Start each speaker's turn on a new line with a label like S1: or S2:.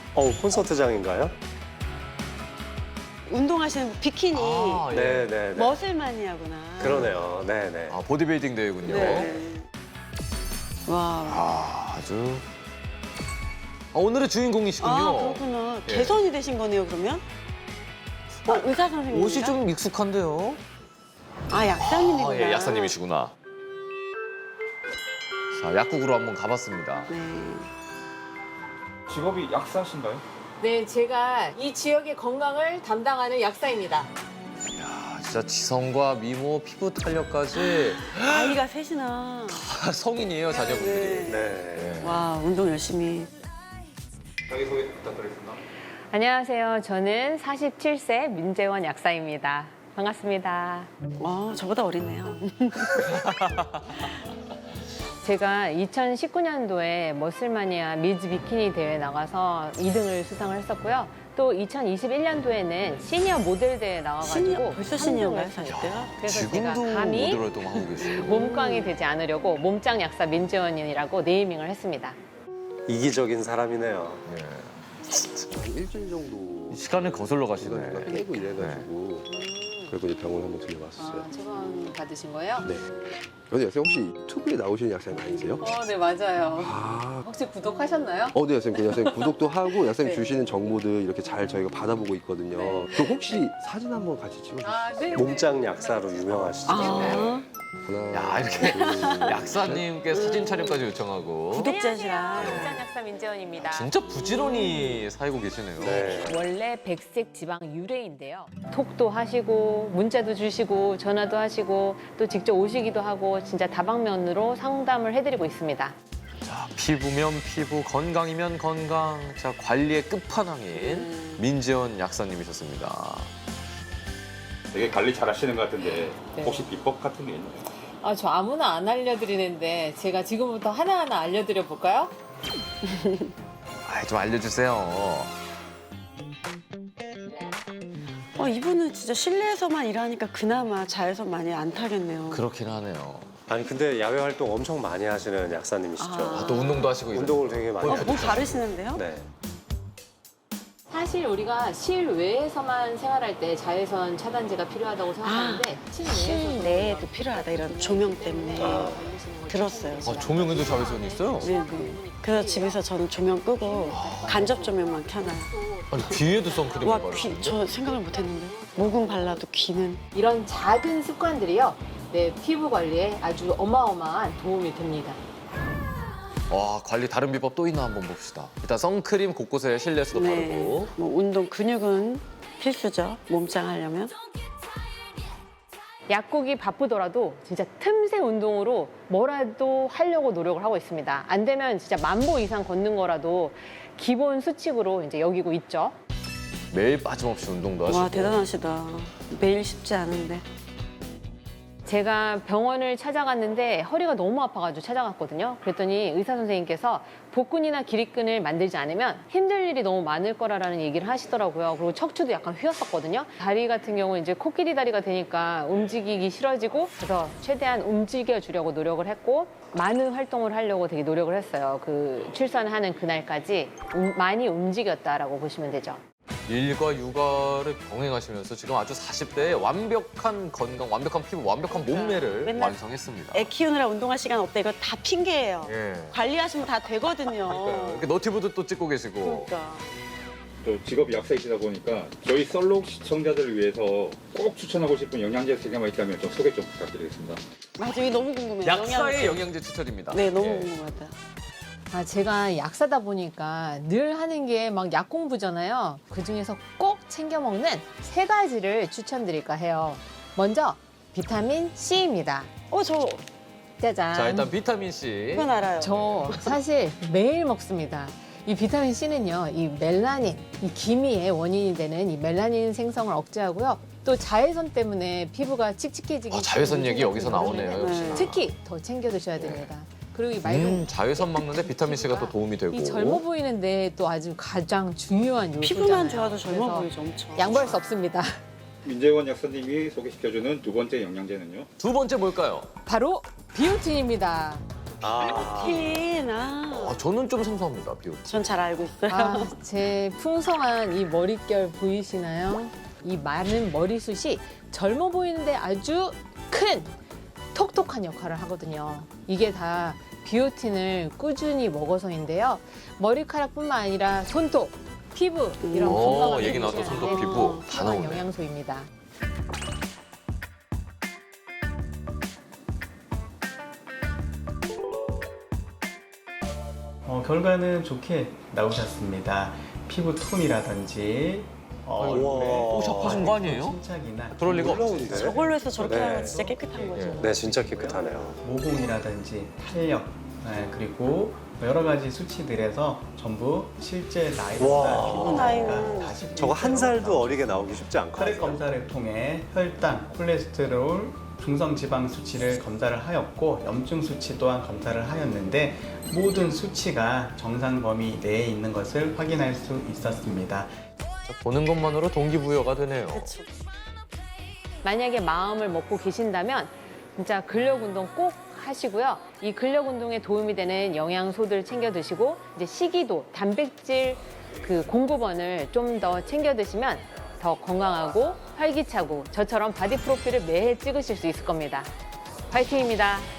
S1: 콘서트장인가요?
S2: 운동하시는 비키니
S3: 아, 예.
S1: 네네네.
S2: 머슬 마니아구나.
S1: 그러네요. 네네.
S3: 아, 보디빌딩 대회군요.
S2: 네. 와.
S3: 아, 아주. 오늘의 주인공이시군요.
S2: 아, 그렇구나.
S3: 예.
S2: 개선이 되신 거네요, 그러면? 의사 선생님.
S3: 옷이 좀 익숙한데요.
S2: 아, 약사님이구나.
S3: 예, 약사님이시구나. 자, 약국으로 한번 가봤습니다.
S2: 네.
S4: 직업이 약사신가요?
S5: 네, 제가 이 지역의 건강을 담당하는 약사입니다.
S3: 야, 진짜 지성과 미모, 피부 탄력까지
S2: 아이가 셋이나.
S3: 다 성인이에요, 자녀분들이.
S1: 네.
S2: 와, 운동 열심히.
S4: 자기소개 부탁드리겠습니다.
S6: 안녕하세요. 저는 47세 민재원 약사입니다. 반갑습니다.
S2: 저보다 어리네요.
S6: 제가 2019년도에 머슬마니아 미즈 비키니 대회 나가서 2등을 수상을 했었고요. 또 2021년도에는 시니어 모델 대회 나와가지고
S2: 시니어, 벌써 시니어인가요,
S6: 3등을
S2: 40대가?
S6: 그래서 제가
S3: 지금도
S6: 감히
S3: 모델 활동하고 계세요.
S6: 몸꽝이 되지 않으려고 몸짱 약사 민재원이라고 네이밍을 했습니다.
S1: 이기적인 사람이네요.
S7: 일주일 정도
S3: 시간을 거슬러
S7: 시간을
S3: 가시네.
S7: 빼고 일해가지고 그리고 이제 병원 한번 들려봤어요.
S6: 처방 받으신 거예요?
S7: 네. 근데 선생님 혹시 유튜브에 나오시는 약사님 아니세요?
S6: 네, 맞아요.
S7: 아,
S6: 혹시 구독하셨나요?
S7: 네, 선생님. 선생님 구독도 하고 약사님
S6: 네.
S7: 주시는 정보들 이렇게 잘 저희가 받아보고 있거든요.
S6: 네.
S7: 그럼 혹시 사진 한번 같이 찍어주세요.
S6: 네.
S1: 몸짱 약사로 유명하시죠.
S2: 아,
S7: 하나,
S3: 야, 이렇게
S7: 둘,
S3: 약사님께 사진 촬영까지 요청하고.
S2: 구독자시라.
S6: 몸짱 약사 민재원입니다.
S3: 진짜 부지런히 살고 계시네요.
S1: 네.
S6: 원래 백색 지방 유래인데요. 톡도 하시고 문자도 주시고 전화도 하시고 또 직접 오시기도 하고 진짜 다방면으로 상담을 해드리고 있습니다.
S3: 자, 피부면 피부, 건강이면 건강. 자, 관리의 끝판왕인 민재원 약사님이셨습니다.
S4: 되게 관리 잘 하시는 것 같은데
S6: 네.
S4: 혹시 비법 같은 게 있나요?
S5: 저 아무나 안 알려드리는데 제가 지금부터 하나하나 알려드려 볼까요?
S3: 좀 알려주세요.
S2: 이분은 진짜 실내에서만 일하니까 그나마 자외선 많이 안 타겠네요.
S3: 그렇긴 하네요.
S1: 아니 근데 야외 활동 엄청 많이 하시는 약사님이시죠.
S2: 아.
S3: 또 운동도 하시고
S1: 운동을 되게 많이
S2: 뭐
S1: 하시죠.
S2: 다르시는데요?
S1: 네.
S6: 사실 우리가 실외에서만 생활할 때 자외선 차단제가 필요하다고 생각하는데
S2: 실내에도 필요하다 이런 조명 때문에 들었어요. 제가.
S3: 조명에도 자외선이 있어요?
S2: 네, 네. 그래서 집에서 저는 조명 끄고 간접 조명만 켜놔요.
S3: 아니, 귀에도 선크림을
S2: 와,
S3: 바르시는데?
S2: 저 생각을 못했는데. 모공 발라도 귀는.
S6: 이런 작은 습관들이요. 네, 피부 관리에 아주 어마어마한 도움이 됩니다.
S3: 와, 관리 다른 비법 또 있나 한번 봅시다. 일단 선크림 곳곳에 실내에서도 바르고.
S2: 뭐 운동 근육은 필수죠. 몸짱 하려면.
S6: 약국이 바쁘더라도 진짜 틈새 운동으로 뭐라도 하려고 노력을 하고 있습니다. 안 되면 진짜 10,000보 이상 걷는 거라도 기본 수칙으로 이제 여기고 있죠.
S3: 매일 빠짐없이 운동도 하시고.
S2: 와, 대단하시다. 매일 쉽지 않은데.
S6: 제가 병원을 찾아갔는데 허리가 너무 아파가지고 찾아갔거든요. 그랬더니 의사 선생님께서 복근이나 기립근을 만들지 않으면 힘들 일이 너무 많을 거라는 얘기를 하시더라고요. 그리고 척추도 약간 휘었었거든요. 다리 같은 경우는 이제 코끼리 다리가 되니까 움직이기 싫어지고 그래서 최대한 움직여주려고 노력을 했고 많은 활동을 하려고 되게 노력을 했어요. 그 출산하는 그날까지 많이 움직였다라고 보시면 되죠.
S3: 일과 육아를 병행하시면서 지금 아주 40대에 완벽한 건강, 완벽한 피부, 완벽한 몸매를
S2: 맨날
S3: 완성했습니다.
S2: 애 키우느라 운동할 시간 없다. 이거 다 핑계예요.
S3: 예.
S2: 관리하시면 다 되거든요.
S3: 이렇게 너티브도 또 찍고 계시고.
S2: 그러니까.
S4: 또 직업이 약사이시다 보니까 저희 썰록 시청자들을 위해서 꼭 추천하고 싶은 영양제 세 개만 있다면 좀 소개 좀 부탁드리겠습니다.
S2: 맞아, 이게 너무 궁금해요.
S3: 약사의 영양제 추천입니다.
S2: 네, 너무
S3: 예.
S2: 궁금하다.
S6: 제가 약사다 보니까 늘 하는 게 막 약 공부잖아요. 그중에서 꼭 챙겨 먹는 3가지를 추천드릴까 해요. 먼저 비타민 C입니다.
S2: 저
S6: 짜잔.
S3: 자, 일단 비타민 C.
S2: 이건 알아요.
S6: 저 사실 매일 먹습니다. 이 비타민 C는요, 이 멜라닌, 이 기미의 원인이 되는 이 멜라닌 생성을 억제하고요. 또 자외선 때문에 피부가 칙칙해지기
S3: 자외선 얘기 여기서 나오네요,
S2: 네.
S3: 역시나.
S6: 특히 더 챙겨 드셔야 됩니다. 그리고 이 맑은
S3: 자외선 막는데 비타민 C가 또 도움이 되고.
S6: 이 젊어 보이는데 또 아주 가장 중요한 요소잖아요.
S2: 피부만 좋아도 젊어
S6: 그래서
S2: 보이죠, 엄청.
S6: 양보할 수 없습니다.
S4: 민재원 약사님이 소개시켜주는 두 번째 영양제는요?
S3: 두 번째 뭘까요?
S6: 바로 비오틴입니다.
S2: 틴,
S3: 저는 좀 생소합니다, 비오틴.
S2: 전 잘 알고 있어요.
S6: 아, 제 풍성한 이 머릿결 보이시나요? 이 많은 머리숱이 젊어 보이는데 아주 큰 톡톡한 역할을 하거든요. 이게 다 비오틴을 꾸준히 먹어서인데요. 머리카락뿐만 아니라 손톱, 피부 이런 건강한
S3: 얘기 나왔던 손톱, 피부 다 나오네.
S6: 영양소입니다.
S8: 결과는 좋게 나오셨습니다. 피부 톤이라든지
S3: 오, 샵하신 거 아니에요?
S8: 침착이나
S3: 그럴 리가 없어요.
S1: 놀라운데?
S2: 저걸로 해서 저렇게
S1: 네.
S2: 하면 진짜 깨끗한 거죠.
S1: 네, 진짜 깨끗하네요.
S8: 모공이라든지 탄력 그리고 여러 가지 수치들에서 전부 실제 나이보다
S1: 와.
S8: 피부
S2: 나이는
S8: 나이가 40%
S1: 저거 한 살도 어리게 나오기 쉽지
S8: 혈액
S1: 않거든요.
S8: 검사를 통해 혈당, 콜레스테롤, 중성 지방 수치를 검사를 하였고 염증 수치 또한 검사를 하였는데 모든 수치가 정상 범위 내에 있는 것을 확인할 수 있었습니다.
S3: 보는 것만으로 동기부여가 되네요.
S2: 그렇죠.
S6: 만약에 마음을 먹고 계신다면 진짜 근력 운동 꼭 하시고요. 이 근력 운동에 도움이 되는 영양소들 챙겨 드시고 이제 식이도, 단백질 그 공급원을 좀 더 챙겨 드시면 더 건강하고 활기차고 저처럼 바디 프로필을 매해 찍으실 수 있을 겁니다. 파이팅입니다.